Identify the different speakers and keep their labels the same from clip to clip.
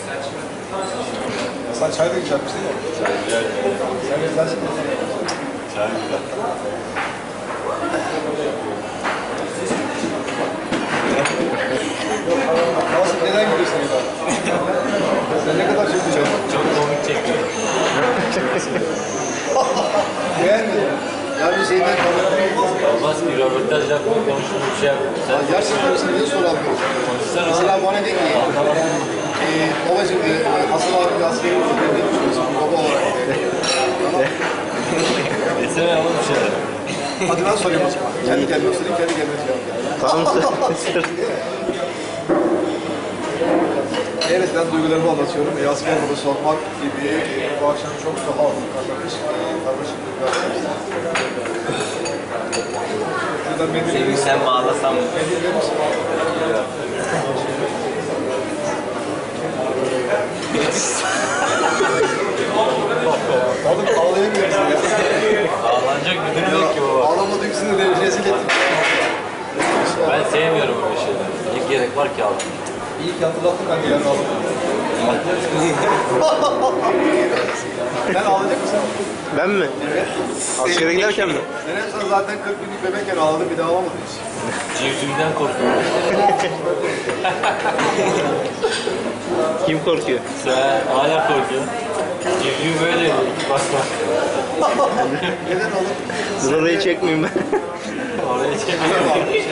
Speaker 1: Sen çay da güzelmiş değil mi?
Speaker 2: Çay güzel.
Speaker 1: Sen güzelsin mi?
Speaker 2: Çay güzel.
Speaker 1: Nasıl, neden gidiyorsun ya? Sen ne kadar çok güzel.
Speaker 2: Çok komik çekiyor.
Speaker 1: Beğendin mi? Ya bir şeyden kameranın olmaz mı?
Speaker 2: Olmaz ki röportaj yapma, konuşma bir şey yapma.
Speaker 1: Ya gerçekten sana niye soramıyorum? Mesela bana de ki, babacığım Hasan abi askeri oldu, ne düşünüyorsun baba olarak? Tamam.
Speaker 2: Desene oğlum bir şeyler.
Speaker 1: Hadi ben sorayım o zaman. Kendi kendime sorayım, kendi kendime cevap ver.
Speaker 3: Tamam.
Speaker 1: Evet, ben duygularımı anlatıyorum. Asker bunu sormak gibi bu akşam çok daha karmaşık bir akşam.
Speaker 4: Seni sen bağlasam mı?
Speaker 1: Oğlum ağlayamıyorsun ya.
Speaker 2: Ağlanacak bir durum yok ki baba.
Speaker 1: Ağlama duygusunu rezil ettim.
Speaker 2: Ben sevmiyorum öyle şeyler. Ne gerek var ki ağlamaya?
Speaker 1: İyi ki hatırlattın, ben de yarın ağladım. Sen ağlayacak mısın?
Speaker 3: Ben mi? Askere giderken mi?
Speaker 1: Sen zaten 40 günlük bebekken ağladın, bir daha ağlamadın hiç.
Speaker 2: Civcivden korkuyorum.
Speaker 3: Kim korkuyor?
Speaker 2: Sen hala korkuyorsun. Civciv böyle bak bak.
Speaker 1: Neden oğlum?
Speaker 3: Dur orayı çekmeyeyim ben.
Speaker 2: Oraya çekmiyor.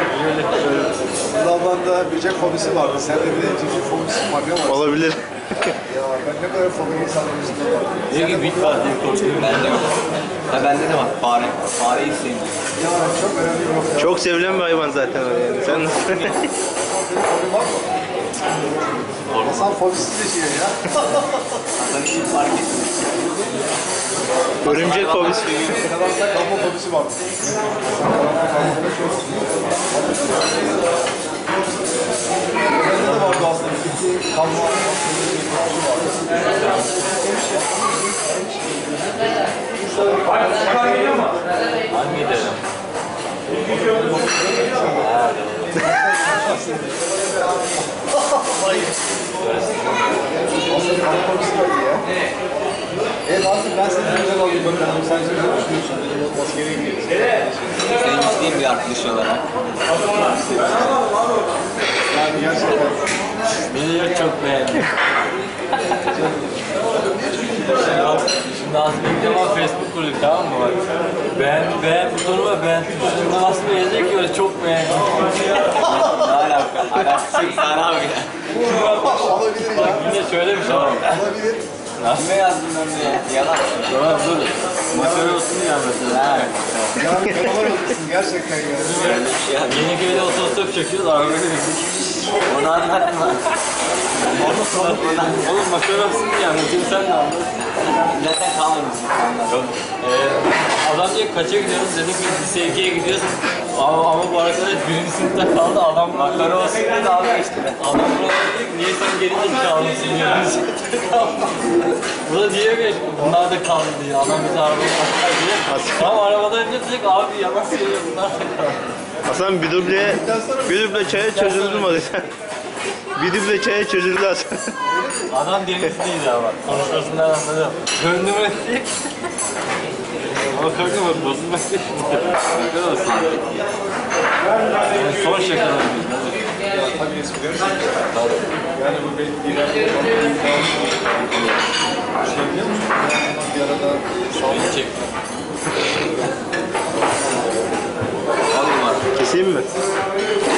Speaker 1: Lavanda böcek fobisi vardı. Sende bir de civciv fobisi var. Ne var?
Speaker 3: Olabilir.
Speaker 1: Ya ben ne kadar fobi insanların üstünde var.
Speaker 2: Diyor ki bit var diye korkuyorum.
Speaker 4: Bende yok. Ha bende de var. Fare. Fareyi sevmiyorum.
Speaker 1: Ya çok önemli bir nokta.
Speaker 3: Çok sevilen bir hayvan zaten o yani. Sen
Speaker 1: Senin fobi var mı? Hasan fobisiz yaşıyor ya.
Speaker 4: Hasan için fark ettim.
Speaker 3: örümcek fobisi.
Speaker 1: Karanlıkta kalma fobisi var. Bende de vardı aslında. Kalma fobisi
Speaker 2: Hangi derim?
Speaker 1: aslında kalma fobisi vardı ya. Artık ben seni güzel alayım bakalım. Sen şimdi ne düşünüyorsun? Askere gidiyorsun.
Speaker 4: Senin gittiğin bir arkadaş olarak.
Speaker 1: Yani gerçekten.
Speaker 2: Beni de çok beğendim. Şimdi aslında ilk defa Facebook kurduk, tamam mı? Bak. Beğen butonuma beğen tuşuna basma yazacak ki öyle çok beğendim.
Speaker 4: Ne alaka? Alakası sana abi ya.
Speaker 1: Olabilir
Speaker 2: Bak
Speaker 1: ya.
Speaker 2: yine söylemiş ama.
Speaker 1: Olabilir.
Speaker 4: Kime yazdım ben de? Yalan.
Speaker 2: Tamam dur. Makara olsun ya mesela.
Speaker 4: Ha.
Speaker 1: Yani fenomen olursun gerçekten ya.
Speaker 4: Öyle bir şey yazdım.
Speaker 2: Yeniköy'de otostop çekiyoruz, arabayla bindik.
Speaker 4: Onu anlatma.
Speaker 2: Oğlum makara olsun ya, anlatayım sen de anlat.
Speaker 4: Zaten kalmamışsın.
Speaker 2: Yok. Adam diyor kaça gidiyoruz, dedik biz lise 2'ye gidiyoruz. Ama bu arkadaş birinci sınıfta kaldı, adam makara olsun dedi abi işte. Adam buralara diyor ki niye sen geri zekalısın diyor. Bu da diyor ki bunlar da kaldı diyor. Adam bizi arabaya kalkar diyor. Ama arabadan önce diyecek abi yalan söylüyor, bunlar da kaldı.
Speaker 3: Hasan bir duble çaya çözüldü mü Hasan? Bir duble çaya çözüldü Hasan.
Speaker 2: Adam denizliydi ama konuşmasından anladım. Gönlüm etti. Ama kanka bak bozulmak değil. Şaka olsun. Yani son şakalar biz.
Speaker 1: Ya tabii esprileri yani bu belki bir şey biliyor musun? Bir arada
Speaker 2: Beni çekti.
Speaker 4: Alayım abi.
Speaker 3: Keseyim mi?